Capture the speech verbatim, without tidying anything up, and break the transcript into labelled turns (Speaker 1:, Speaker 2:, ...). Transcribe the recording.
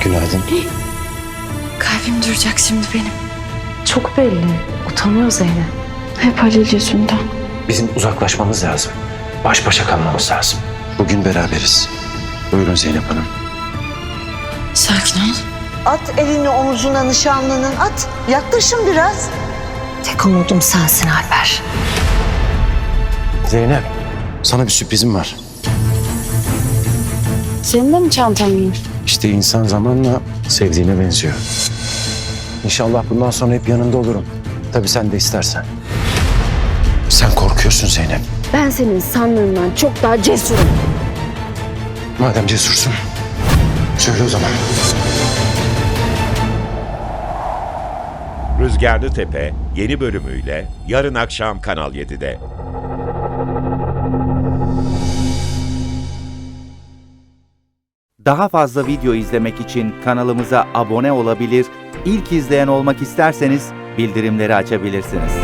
Speaker 1: Günaydın.
Speaker 2: Kalbim duracak şimdi benim.
Speaker 3: Çok belli. Utanıyor Zeynep.
Speaker 2: Hep Halil yüzünden.
Speaker 1: Bizim uzaklaşmamız lazım. Baş başa kalmamız lazım. Bugün beraberiz. Buyurun Zeynep Hanım.
Speaker 2: Sakin ol.
Speaker 4: At elini omuzuna nişanlının, at. Yaklaşın biraz. Tek umudum sensin Alper.
Speaker 1: Zeynep, sana bir sürprizim var.
Speaker 2: Senin de mi çantan var?
Speaker 1: İşte insan zamanla sevdiğine benziyor. İnşallah bundan sonra hep yanında olurum. Tabii sen de istersen. Sen korkuyorsun Zeynep.
Speaker 2: Ben senin sandığından çok daha cesurum.
Speaker 1: Madem cesursun, söyle o zaman.
Speaker 5: Rüzgarlı Tepe yeni bölümüyle yarın akşam Kanal yedide.
Speaker 6: Daha fazla video izlemek için kanalımıza abone olabilir, ilk izleyen olmak isterseniz bildirimleri açabilirsiniz.